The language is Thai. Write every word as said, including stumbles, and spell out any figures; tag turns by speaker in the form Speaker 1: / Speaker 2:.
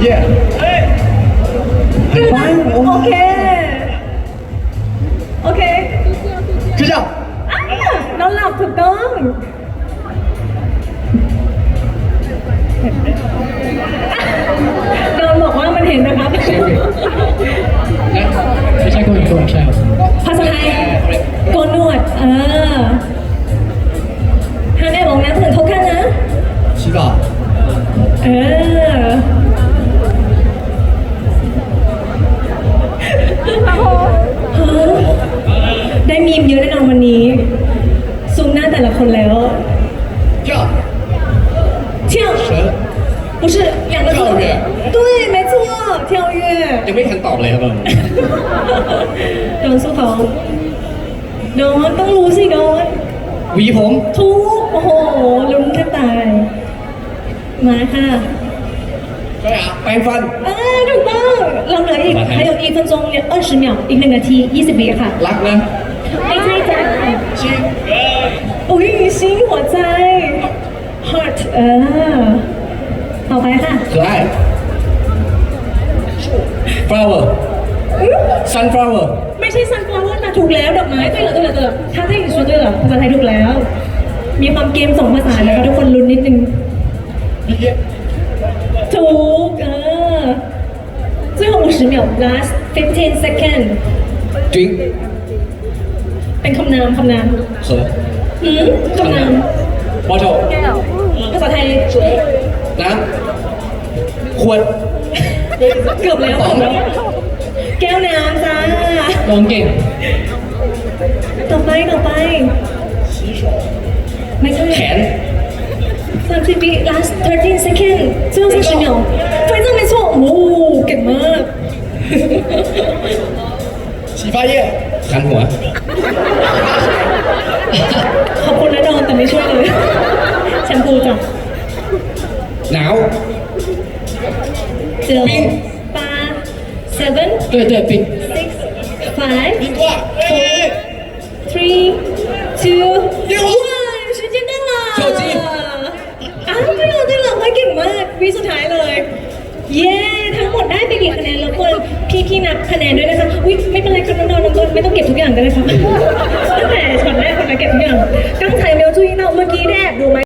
Speaker 1: 耶，
Speaker 2: 反正我
Speaker 3: OK OK
Speaker 1: 就这样。
Speaker 3: อ่านอนหลับถูกต้องโดนบอกว่ามันเห็นนะครับ
Speaker 2: ไม่ใช่คนอีกคนใช่ครับ
Speaker 3: ภาษาไทยโกนหนวดเออฮันแอบบอกนะถึงเขากันนะ
Speaker 1: 洗澡。
Speaker 3: เออฮะได้มีมเยอะแน่นอนวันนี้ซูมหน้าแต่ละคนแล้ว
Speaker 1: 跳。
Speaker 3: เที่ยว
Speaker 1: 蛇。
Speaker 3: 不是两个字
Speaker 1: 跳跃
Speaker 3: 对没错跳跃
Speaker 1: ยังไม่ทันตอบเลยครับผม
Speaker 3: โดนสู้เขาโดนต้องรู้สิโดน
Speaker 1: หวีผม
Speaker 3: ทุกโอ้โหลุ้นแทบตาย มาค่ะ
Speaker 1: ใช่อ่ะแปรงฟัน
Speaker 3: เออถูกต้องเราเหลืออีก
Speaker 1: มาให้
Speaker 3: 还有一分钟二十秒อีกหนึ่งนาทียี่สิบวิค่ะ
Speaker 1: รักนะ
Speaker 3: ไม่ใช่จ้ะ
Speaker 1: ชิง
Speaker 3: อุ้ย心หัวใจ heart เออต่อไปค่ะ
Speaker 1: 可爱 flower
Speaker 3: อื้อ
Speaker 1: sunflower
Speaker 3: ไม่ใช่ sunflower นะถูกแล้วดอกไม้对了对了对了ถ้าได้อีกช่วยด้วยเหรอภาษาไทยถูกแล้ว มีความเกมสองภาษานะคะทุกคนลุ้นนิดนึง ถูกเออ最后五十秒 last fifteen second
Speaker 1: drink
Speaker 3: เป็นคำนามคำนาม
Speaker 1: 河
Speaker 3: อืมคำนาม
Speaker 1: bottle
Speaker 3: ภาษาไทย
Speaker 1: น้ำขวด
Speaker 3: เกือบแล้วเกือบแล้วแก้วน้ำจ้า
Speaker 2: ลองเก่ง
Speaker 3: ต่อไปต่อไป ไม่ใช่
Speaker 1: แขน
Speaker 3: สามสิบวิ last thirteen second 最后三十秒非常没错โอ้เก่งมาก
Speaker 1: 洗发液ขันหัว
Speaker 3: ขอบคุณนะดอนแต่ไม่ช่วยเลยแชมพูจ้ะ
Speaker 1: หนาว
Speaker 3: เจ็ด
Speaker 1: ปิ๊ง
Speaker 3: 八 seven
Speaker 2: 对对冰
Speaker 3: six five
Speaker 1: 冰块
Speaker 3: four three two one 时间到了
Speaker 1: 手机
Speaker 3: อ้าว对了对了เฮ้ยเก่งมากวิสุดท้ายเลย เย้ทั้งหมดได้ไปกี่คะแนนแล้วคนพี่พี่นับคะแนนด้วยนะคะอุ๊ยไม่เป็นไรครับน้องๆน้องต้นไม่ต้องเก็บทุกอย่างก็ได้ครับตั้งแต่ช็อตแรกคนละเก็บทุกอย่าง刚才没有注意到เมื่อกี้ได้แอบดูไหม